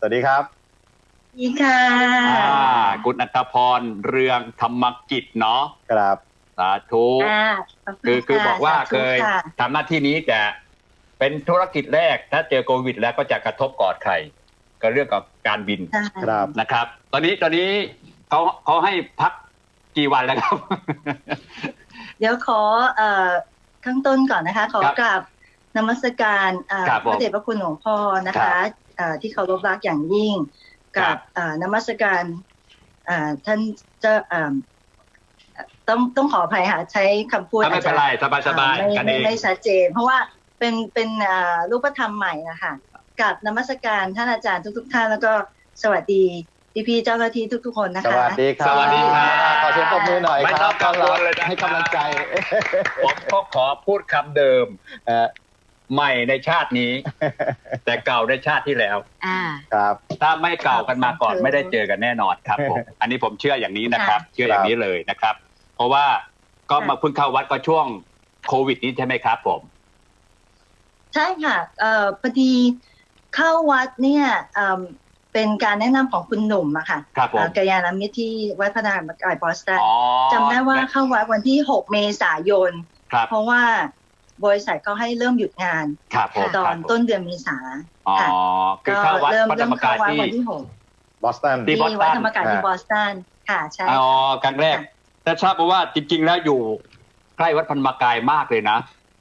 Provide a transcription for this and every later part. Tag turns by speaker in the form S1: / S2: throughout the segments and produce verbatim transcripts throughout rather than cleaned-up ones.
S1: วัสดีครับ
S2: สวัสดีค่ะ
S3: คุณอัตพรเรืองธรรมกิจเนาะ
S1: ครับ
S3: สาธุคือคือบอกว่าเคยทำหน้าที่นี้จะเป็นธุรกิจแรกถ้าเจอโควิดแล้วก็จะกระทบกอดใครก็เรื่องกับการบินนะครับ ตอนนี้ตอนนี้เขาเขาให้พักกี่วันแล้วครับ
S2: เดี๋ยวขอเอ่อข้างต้นก่อนนะคะขอกราบนมัสการพระเดชพระคุณหลวงพ่อนะคะที่เคารพรักอย่างยิ่งกับนมัสการท่านจะต้องต้องขออภัยค่ะใช้คำพูดอาจจะไม่
S3: เป็นไรสบายสบายกันเอง
S2: ไม่ชัดเจนเพราะว่าเป็นเป็นรูปธรรมใหม่นะคะกับนมัสการท่านอาจารย์ทุกๆท่านแล้วก็สวัสดีพี่พี่เจ้าหน้าที่ทุกๆคนนะคะ
S1: สวัสดีครับ
S3: สวัสดีครับ
S1: ขอเสียงปรบมือหน่อยครับ
S3: ไม่ต้องกังวลเลยนะ
S1: ให้กำลังใจ
S3: ผมก็ขอพูดคำเดิมใหม่ในชาตินี้แต่เก่าในชาติที่แล้ว
S1: ครับ
S3: ถ้าไม่เก่ากันมาก่อนไม่ได้เจอกันแน่นอนครับผมอันนี้ผมเชื่ออย่างนี้นะครับเชื่ออย่างนี้เลยนะครับ เพราะว่าก็มาเพิ่งเข้าวัดก็ช่วงโควิดนี้ใช่ไหมครับผม
S2: ใช่ค่ะเอ่อพอดีเข้าวัดเนี่ยเป็นการแนะนำของคุณหนุ่มอะค่ะกัลยาณมิตรที่วัดพระนารายณ์บอสตันจำได้ว่าเข้าวัดวันที่หกเมษายนเพราะว่าบริษัทเขาให้เริ่มหยุดงานตอนต้นเดือนเมษา
S3: ค่ะก็
S2: เริ่มเริ่มเข้าวัดวันที่หก
S1: บอสตัน
S2: ที่วัดธรรมกายที่บอสตันค่ะใช่
S3: อ๋อครั้งแรกแต่ทราบว่าจริงๆแล้วอยู่ใกล้วัดธรรมกายมากเลยนะ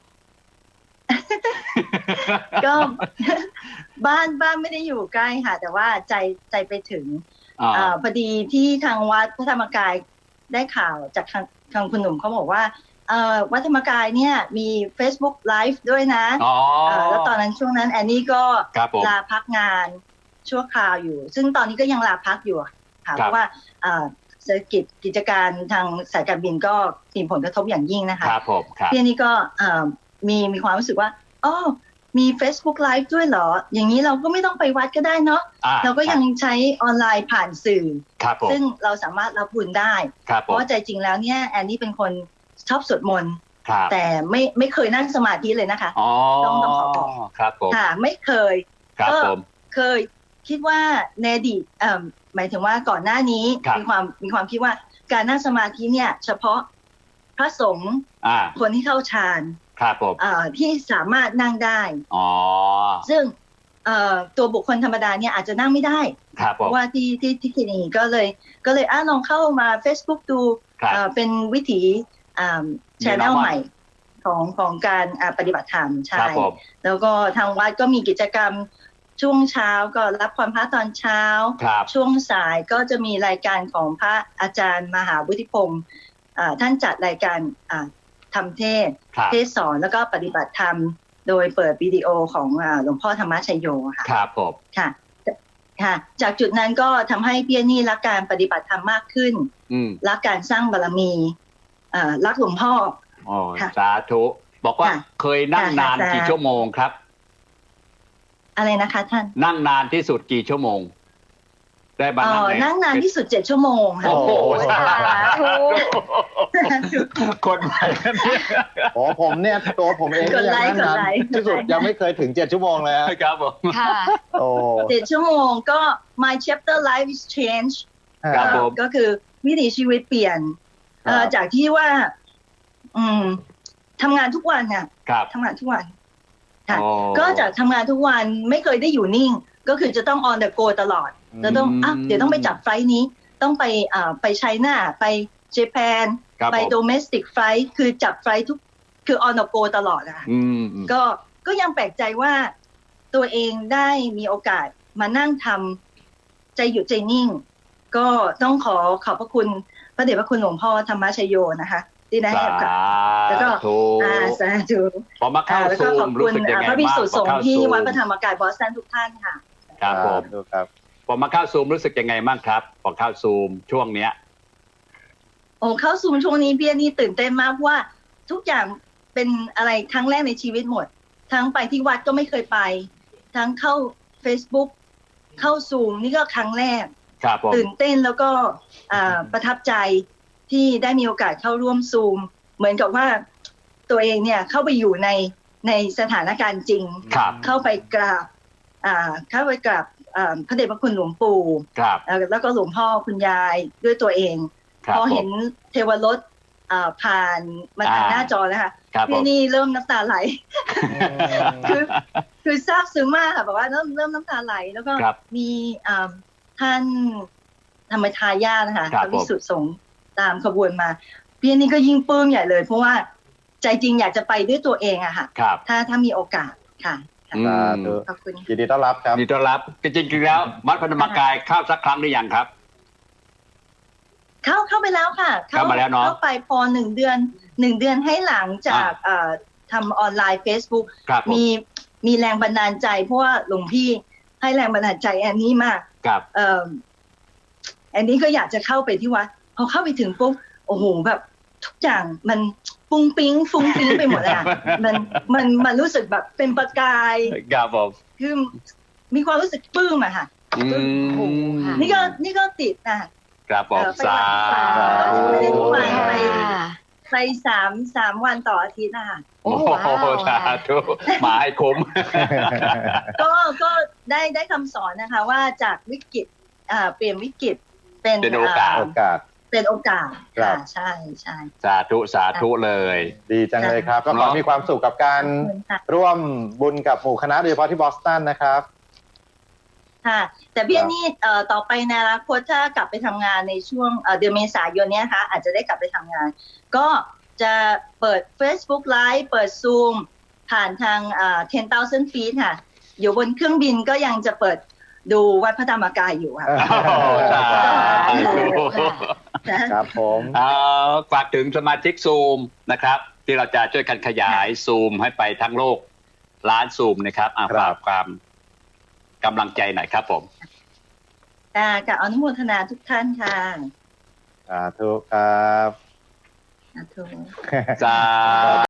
S2: ก็บ้านบ้านไม่ได้อยู่ใกล้ค่ะแต่ว่าใจใจไปถึงอพอดีที่ทางวัดพระธรรมกายได้ข่าวจากทางทางคุณหนุ่มเขาบอกว่าวัดธรรมกายเนี่ยมี Facebook Live ด้วยนะแล้วตอนนั้นช่วงนั้นแอนนี่ก็ลาพักงานชั่วคราวอยู่ซึ่งตอนนี้ก็ยังลาพักอยู่ค่ะเพราะว่าเศรษฐกิจกิจการทางสายการบินก็มีผลกระทบอย่างยิ่งนะคะที่นี่ก็มีมีความรู้สึกว่าอ๋อมี Facebook Live ด้วยเหรออย่างนี้เราก็ไม่ต้องไปวัดก็ได้เนาะเราก็ยังใช้ออนไลน์ผ่านสื่อซึ่งเราสามารถรับบุญได้เพราะว่าใจจริงแล้วเนี่ยแอนนี่เป็นคนชอบสวดมนต์แต่ไม่ไม่เคยนั่งสมาธิเลยนะคะต้องต้องขอบอกค่ะไม่เคยก็เคยคิดว่าในอดีตหมายถึงว่าก่อนหน้านี้มีความมีความคิดว่าการนั่งสมาธิเนี่ยเฉพาะพระสงฆ์คนที่เข้าฌานที่สามารถนั่งได้ซึ่งตัวบุคคลธรรมดาเนี่ยอาจจะนั่งไม่ได้เพราะว่าที่ที่ที่คลินิกก็เลยก็เลยอ่ะลองเข้ามา Facebook ดูเป็นวิถีแชนแนลใหม่ของของการปฏิบัติธรรมใช่แล้วก็ทางวัดก็มีกิจกรรมช่วงเช้าก็รับความพระตอนเช้าช่วงสายก็จะมีรายการของพระอาจารย์มหาวุฒิพงศ์ท่านจัดรายการทำเทศเทศสอนแล้วก็ปฏิบัติธรรมโดยเปิดวิดีโอของหลวงพ่อธรรมชัยโยค่ะ
S3: ครับผม
S2: ค่ะค่ะจากจุดนั้นก็ทำให้พี่นี่รักการปฏิบัติธรรมมากขึ้นรักการสร้างบารมีรักหลวงพ่อ
S3: อ๋อสาธุบอกว่าเคยนั่งนานกี่ชั่วโมงครับ
S2: อะไรนะคะท่าน
S3: นั่งนานที่สุดกี่ชั่วโมงได้บ้าง
S2: นั่งนานที่สุดเจ็ดชั่วโมงค่ะ
S3: โอ้โหสาธุคนใหม่เนี่ย
S1: โอ้ผมเนี่ยตัวผมเองก็ยังนั่งนานที่สุดยังไม่เคยถึงเจ็ดชั่วโมงเลย
S3: ครับผม
S2: ค่ะโอ้เจ็ดชั่วโมงก็ my chapter life is change ก็คือวิถีชีวิตเปลี่ยนจากที่ว่าอืมทำงานทุกวันค่ะทำงานทุกวันค่ะก็จากทำงานทุกวันไม่เคยได้อยู่นิ่งก็คือจะต้อง on the go ตลอดจะต้องอ่ะเดี๋ยวต้องไปจับไฟล์นี้ต้องไปอ่าไปไชน่าไปเจแปนไป domestic flight คือจับไฟล์ทุกคือ on the go ตลอดอะก็ก็ยังแปลกใจว่าตัวเองได้มีโอกาสมานั่งทำใจหยุดใจนิ่งก็ต้องขอขอบพระคุณพระเดชพระคุณหลวงพ่อธรรมชโยนะคะที่ได้ให้กับแล้วก็อ่าสาธุ
S3: พอมาเข้าซูมรู้สึกยังไงบ้าง
S2: พระภิกษุสงฆ์ที่วัดพระธรรมกายบอสตันทุกท่านค่ะ
S3: ครับผม
S1: ครับ
S3: พอมาเข้าซูมรู้สึกยังไงบ้างครับพอเข้าซูมช่วงเนี้ย
S2: โอ้เข้าซูมช่วงนี้พี่นี่ตื่นเต้นมากเพราะว่าทุกอย่างเป็นอะไรครั้งแรกในชีวิตหมดทั้งไปที่วัดก็ไม่เคยไปทั้งเข้า Facebook เข้าซูมนี่ก็ครั้งแรกตื่นเต้นแล้วก็ประทับใจที่ได้มีโอกาสเข้าร่วมซูมเหมือนกับว่าตัวเองเนี่ยเข้าไปอยู่ในในสถานการณ์จริงเข้าไปกราบเข้าไปกราบเอ่อพระเดชพระคุณหลวงปู่
S3: ครับ
S2: เอ่อแล้วก็หลวงพ่อคุณยายด้วยตัวเอง
S3: ครับ
S2: พอเห็น
S3: ผม
S2: เทวรถเอ่อผ่านมาทาง
S3: อ่า
S2: หน้าจอแล้วค่ะ
S3: ครับผ
S2: พี่
S3: ม
S2: นี่เริ่มน้ำตาไหล
S1: อืม
S2: คือคือซาบซึ้งมากค่ะแบบว่าเริ่มเริ่มน้ำตาไหล แล้วก็
S3: ครับ
S2: มีอ่าท่านธรรมทายาทนะคะ
S3: ครับ
S2: พระวิสุทธิสงฆ์ตามขบวนมาพี่นี่ก็ยิ่งปลื้มใหญ่เลย เพราะว่าใจจริงอยากจะไปด้วยตัวเองอะค่ะ
S3: ครับ
S2: ถ้าถ้ามีโอกาสค่ะค่ะ
S3: อืม
S1: สาธุ
S2: ขอบคุณ
S1: ยินดีต้อนรับครับ
S3: ยินดีต้อนรับจริงๆแล้ววัดพระธรรมกายเข้าสักครั้งหรือยังครับ
S2: เข้าเข้าไปแล้วค่ะ
S3: เข้ามาแล้วเนอะ
S2: เข้าไปพอหนึ่งเดือนหนึ่งเดือนให้หลังจากเอ่อทำออนไลน์ Facebook
S3: ครับผม
S2: มีมีแรงบันดาลใจเพราะว่าหลวงพี่ให้แรงบันดาลใจแอนนี่มาก
S3: ครับ
S2: เอ่อแอนนี่ก็อยากจะเข้าไปที่วัดพอเข้าไปถึงปุ๊บโอ้โหแบบทุกอย่างมันฟุ้งปิ้งฟุ้งปิ้งไปหมดเลยอะมันมันมันรู้สึกแบบเป็นประกาย
S3: ครับผม
S2: คือมีความรู้สึกปลื้มอะค่ะ
S3: อืม
S2: นี่ก็นี่ก็ติดนะคะ
S3: ครับผม
S2: เอ่อไป
S3: สา
S2: ไป
S3: ธุ
S2: ไปไป
S4: ค่ะ
S2: ไปสามสามวันต่ออาทิตย์นะคะ
S3: โอ้โหสาธุมาให้คุ้ม
S2: ก็ก็ได้ได้คำสอนนะคะ ว่าจากวิกฤตอ่าเปลี่ยนวิกฤตเป็น
S3: เป็นโอกาส
S1: โอกาส
S2: เป็นโอกาส
S1: ครั
S2: ค่ะ
S1: บ
S2: ใช่ใช่
S3: สาธุสาธุเลย
S1: ดีจังเลยครับ ก็ขอ
S3: เนาะ
S1: มีความสุขกับการ
S2: ขอบคุณค่ะ
S1: ร่วมบุญกับหมู่คณะโดยเฉพาะที่บอสตันนะครับ
S2: ค่ะ แต่พี่
S1: ครับ
S2: นี่เอ่อต่อไปในอนาคตถ้ากลับไปทำงานในช่วงเอ่อเดือนเมษายนเนี้ยนะคะอาจจะได้กลับไปทำงาน ก็จะเปิด Facebook Live เปิด Zoom ผ่านทางเอ่อten thousand feet ค่ะ อยู่บนเครื่องบินก็ยังจะเปิดดูวัดพระธรรมกายอยู่ค่ะ
S3: โอ้โหสาธุ
S1: ครับผม
S3: เอาฝากถึงสมาชิกซูมนะครับ ที่เราจะช่วยกันขยายซูมให้ไปทั้งโลกล้านซูมนะครับอ่ะ
S1: ครับ
S3: ฝากความกำลังใจหน่อยครับผม
S2: ค่ะกับอนุโมทนาทุกท่านค่ะ
S1: สาธุครับ
S2: สาธุ
S3: สา